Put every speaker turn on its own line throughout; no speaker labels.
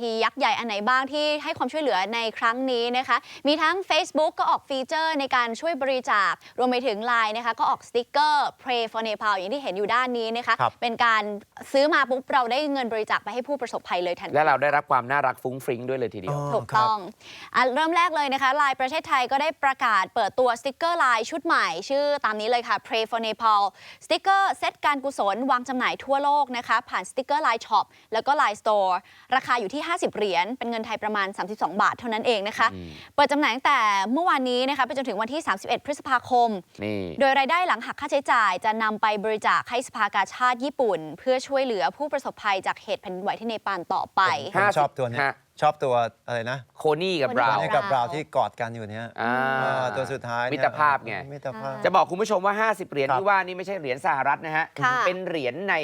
ทียักษ์ใหญ่อันไหนบ้างที่ให้ความช่วยเหลือในครั้งนี้นะคะมีทั้ง Facebook ก็ออกฟีเจอร์ในการช่วยบริจาครวมไปถึง LINE นะคะก็ออกสติ๊กเกอร์ Pray for Nepal อย่างที่เห็นอยู่ด้านนี้นะคะเป็นการซื้อมาปุ๊บเราได้เงินบริจาคไปให้ผู้ประสบภัยเลยทันที
และเราได้รับความน่ารักฟุ้งฟริ้งด้วยเลยทีเดียว
ถูกต้องเริ่มแรกเลยนะคะ LINE ประเทศไทยก็ได้ประกาศเปิดตัวสติ๊กเกอร์ LINE ชุดใหม่ชื่อตามนี้เลยค่ะ Pray for Nepal สติ๊กเกอร์เซตการกุศลวางจำหน่ายทั่วโลกนะคะผ่านสติ๊กเกอร์ LINE Shop แล้วก็ LINE Store ราคาอยู่ที่50 เหรียญเป็นเงินไทยประมาณ32 บาทเท่านั้นเองนะคะเปิดจำหน่ายตั้งแต่เมื่อวานนี้นะคะไปจนถึงวันที่31 พฤษภาคมโดยรายได้หลังหักค่าใช้จ่ายจะนำไปบริจาคให้สภากาชาดญี่ปุ่นเพื่อช่วยเหลือผู้ประสบภัยจากเหตุแผ่นดินไหวที่เนปาลต่อไป
ชอบตัวนี้ชอบตัวอะไรนะ
โคนี่กับบราวน์
ที่กอดกันอยู่เนี้ยตัวสุดท้าย
มิตรภาพไงจะบอกคุณผู้ชมว่า50 เหรียญที่ว่านี่ไม่ใช่เหรียญสหรัฐนะฮะเป็นเหรียญใน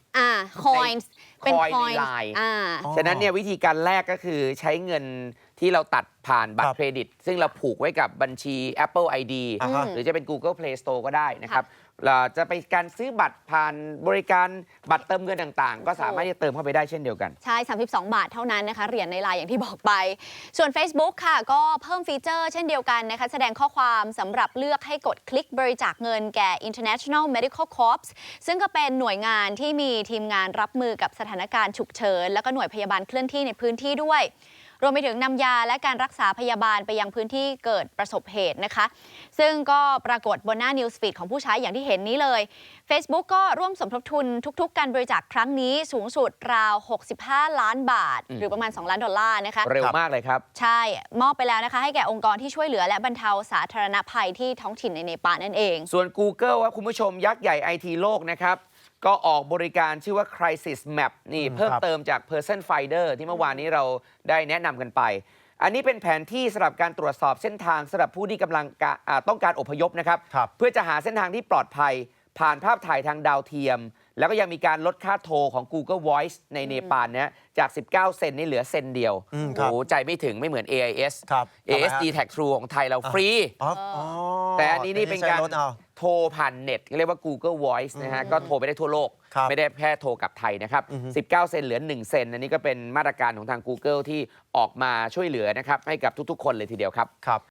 coins เป็น
coin ใน LINE ฉะนั้นเนี่ยวิธีการแรกก็คือใช้เงินที่เราตัดผ่านบัตรเครดิตซึ่งเราผูกไว้กับบัญชี Apple ID หรือจะเป็น Google Play Store ก็ได้นะครับเราจะไปการซื้อบัตรผ่านบริการบัตรเติมเงินต่างๆก็สามารถจะเติมเข้าไปได้เช่นเดียวกัน
ใช่32 บาทเท่านั้นนะคะเหรียญใน LINE อย่างที่บอกไปส่วน Facebook ค่ะก็เพิ่มฟีเจอร์เช่นเดียวกันนะคะแสดงข้อความสำหรับเลือกให้กดคลิกบริจาคเงินแก่ International Medical Corps ซึ่งก็เป็นหน่วยงานที่มีทีมงานรับมือกับสถานการณ์ฉุกเฉินแล้วก็หน่วยพยาบาลเคลื่อนที่ในพื้นที่ด้วยรวมไปถึงนำยาและการรักษาพยาบาลไปยังพื้นที่เกิดประสบเหตุนะคะซึ่งก็ปรากฏบนหน้า News Feed ของผู้ใช้อย่างที่เห็นนี้เลย Facebook ก็ร่วมสมทบทุนทุกๆการบริจาคครั้งนี้สูงสุดราว65 ล้านบาทหรือประมาณ2 ล้านดอลลาร์นะคะ
เร็วมากเลยครับ
ใช่มอบไปแล้วนะคะให้แก่องค์กรที่ช่วยเหลือและบรรเทาสาธารณภัยที่ท้องถิ่นในเนปาลนั่นเอง
ส่วน Google ครับคุณผู้ชมยักษ์ใหญ่ IT โลกนะครับก็ออกบริการชื่อว่า Crisis Map นี่เพิ่มเติมจาก Person Finder ที่เมื่อวานนี้เราได้แนะนำกันไปอันนี้เป็นแผนที่สำหรับการตรวจสอบเส้นทางสำหรับผู้ที่กำลังต้องการอพยพนะครับเพื่อจะหาเส้นทางที่ปลอดภัยผ่านภาพถ่ายทางดาวเทียมแล้วก็ยังมีการลดค่าโทรของ Google Voice ในเนปาลเนี่ยจาก19 เซนนี่เหลือเซนเดียวโอ้ใจไม่ถึงไม่เหมือน AIS ASD-Tag True ของไทยเราฟรีแต่อันนี้นี่เป็นการโทรผ่านเน็ตเรียกว่า Google Voice นะฮะก็โทรไปได้ทั่วโลกไม่ได้แค่โทรกับไทยนะครับ19 เซนเหลือ1 เซนอันนี้ก็เป็นมาตรการของทาง Google ที่ออกมาช่วยเหลือนะครับให้กับทุกๆคนเลยทีเดียวครับ